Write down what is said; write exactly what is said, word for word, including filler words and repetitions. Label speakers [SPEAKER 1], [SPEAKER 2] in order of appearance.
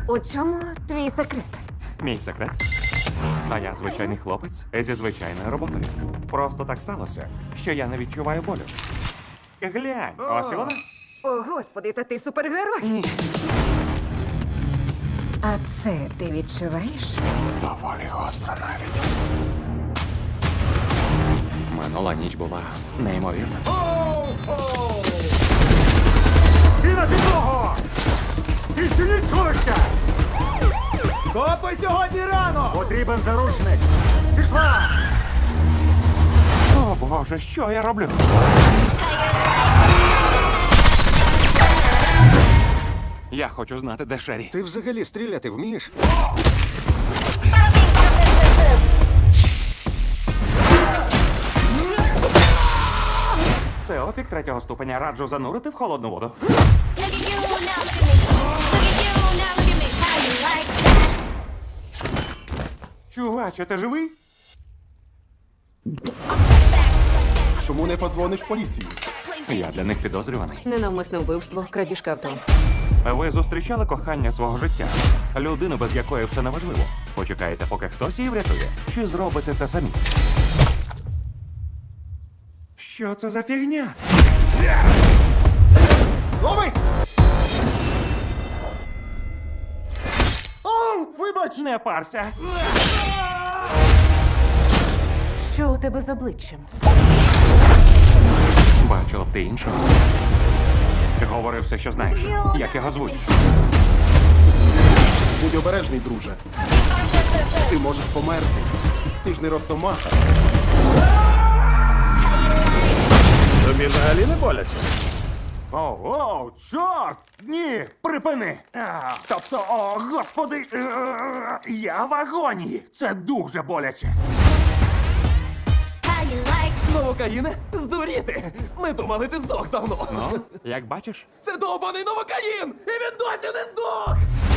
[SPEAKER 1] У чому твій секрет?
[SPEAKER 2] Мій секрет. А я звичайний хлопець зі звичайною роботою. Просто так сталося, що я не відчуваю болю. Глянь, ось і вона.
[SPEAKER 1] О, господи, та ти супергерой.
[SPEAKER 2] Ні.
[SPEAKER 1] А це ти відчуваєш?
[SPEAKER 2] Доволі гостро навіть. Минула ніч була неймовірна.
[SPEAKER 3] Всі на підлогу! Відчиніть сховище!
[SPEAKER 4] Копи сьогодні рано!
[SPEAKER 3] Потрібен заручник! Пішла!
[SPEAKER 2] О, Боже, що я роблю? Я хочу знати, де Шері.
[SPEAKER 3] Ти взагалі стріляти вмієш?
[SPEAKER 2] Це опік третього ступеня. Раджу занурити в холодну воду.
[SPEAKER 5] Look at you now, look at me. Look at you now, look at me. How you like that?
[SPEAKER 2] Чуваче, ти живий?
[SPEAKER 3] Чому не подзвониш в поліцію?
[SPEAKER 2] Я для них підозрюваний.
[SPEAKER 1] Ненавмисне вбивство, крадіжка авто.
[SPEAKER 2] Ви зустрічали кохання свого життя? Людину, без якої все неважливо. Почекаєте, поки хтось її врятує? Чи зробите це самі? Що це за фігня?
[SPEAKER 3] Лови!
[SPEAKER 2] О, вибач, не парся.
[SPEAKER 1] Що у тебе з обличчям?
[SPEAKER 2] Бачила б ти іншого. Говори все, що знаєш. Як його звуть?
[SPEAKER 3] Будь обережний, друже. Ти можеш померти. Ти ж не росомаха.
[SPEAKER 4] Тобі взагалі не боляться?
[SPEAKER 2] О, о, чорт! Ні, припини! А, тобто, о, господи, е, я в агонії. Це дуже боляче.
[SPEAKER 5] How you like
[SPEAKER 4] Новокаїне? Здуріти! Ми думали, ти здох давно.
[SPEAKER 2] Ну, як бачиш?
[SPEAKER 4] Це довбаний новокаїн! І він досі не здох!